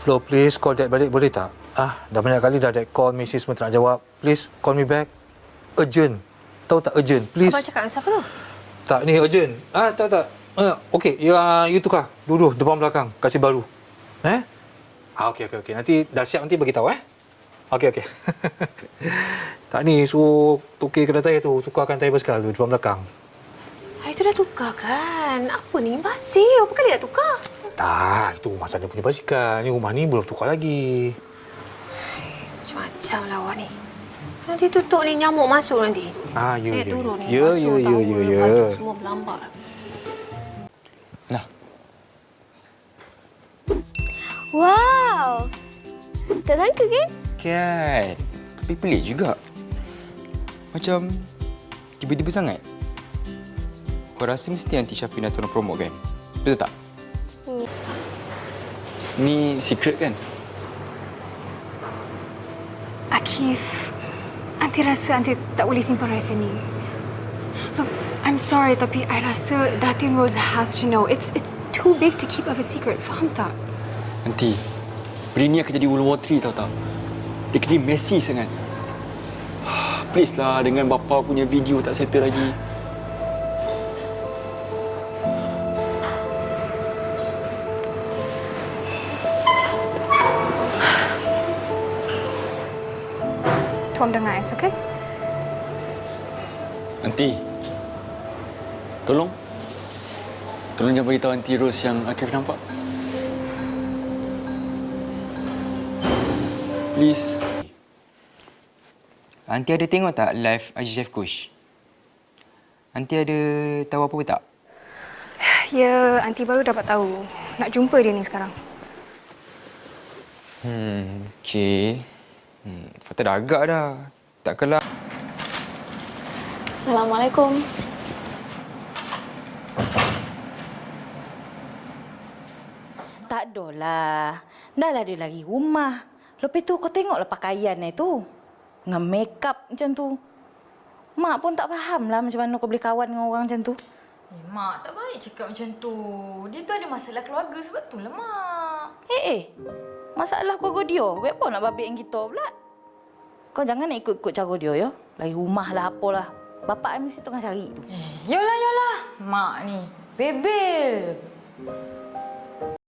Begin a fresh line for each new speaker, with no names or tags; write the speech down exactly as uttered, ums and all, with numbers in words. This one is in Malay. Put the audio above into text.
Flo, please call Dad balik boleh tak? Ah, dah banyak kali dah Dad call, message semua tak nak jawab. Please call me back. Urgent. Tahu tak urgent? Please.
Abang cakap dengan siapa tu?
Tak, ni urgent. Ah, tak, tak. Uh, okey, you, uh, you tukar. Dulu, depan belakang. Kasih baru. Eh? Ah, okey, okey, okey. Nanti dah siap nanti bagi tahu eh. Okey, okey. Tak ni, suruh tukar kedai tayar tu. Tukarkan tayar basikal tu depan belakang.
Ah, itu dah tukar kan? Apa ni? Bazir. Berapa kali dah tukar?
Tak, itu masa dia punya basikal. Ni rumah ni belum tukar lagi.
Macam-macam lah awak ni. Nanti tutup ni nyamuk masuk nanti.
Ah, ya,
Saya
ya.
turun ni.
Ya,
basuh
ya, ya,
towel,
ya, ya.
baju semua berlambar.
Nah.
Wow! Tak sangka kan?
Kan. Tapi pelik juga. Macam tiba-tiba sangat. Kau rasa mesti Aunty Syafi nak tolong promote kan? Betul tak?
Hmm.
Ni secret kan?
Akif, Aunty rasa Aunty tak boleh simpan rahsia ni. Look, I'm sorry tapi I rasa Datin Rosa has to know. It's it's too big to keep of a secret. Faham tak?
Aunty, benda ni akan jadi World War three tau tak? Dia kena messy sangat. Please lah, dengan bapa punya video tak settle lagi.
Tuan dengar, it's okay?
Aunty, tolong. Tolong jangan beritahu Aunty Rose yang Akif nampak. Please. Aunty ada tengok tak live Aziz Chef Kush? Aunty ada tahu apa-apa tak?
Ya, Aunty baru dapat tahu. Nak jumpa dia ni sekarang.
Hmm, okey. Hmm, Fatah dah agak dah. Takkanlah.
Assalamualaikum.
Tak adalah. Dah lah dia lagi rumah. Lepas tu kau tengoklah pakaian dia tu. Dengan make up macam tu. Mak pun tak faham lah macam mana kau boleh kawan dengan orang macam tu.
Eh, Mak, tak baik cakap macam tu. Dia tu ada masalah keluarga sebab itulah, Mak.
Eh, eh. Masalah keluarga dia. Apa nak babik dengan kita pula? Kau jangan nak ikut-ikut cara dia, ya. Lagi rumah lah, apalah. Bapak I mesti tengah cari tu.
Eh, yolah, yolah. Mak ni, bebel.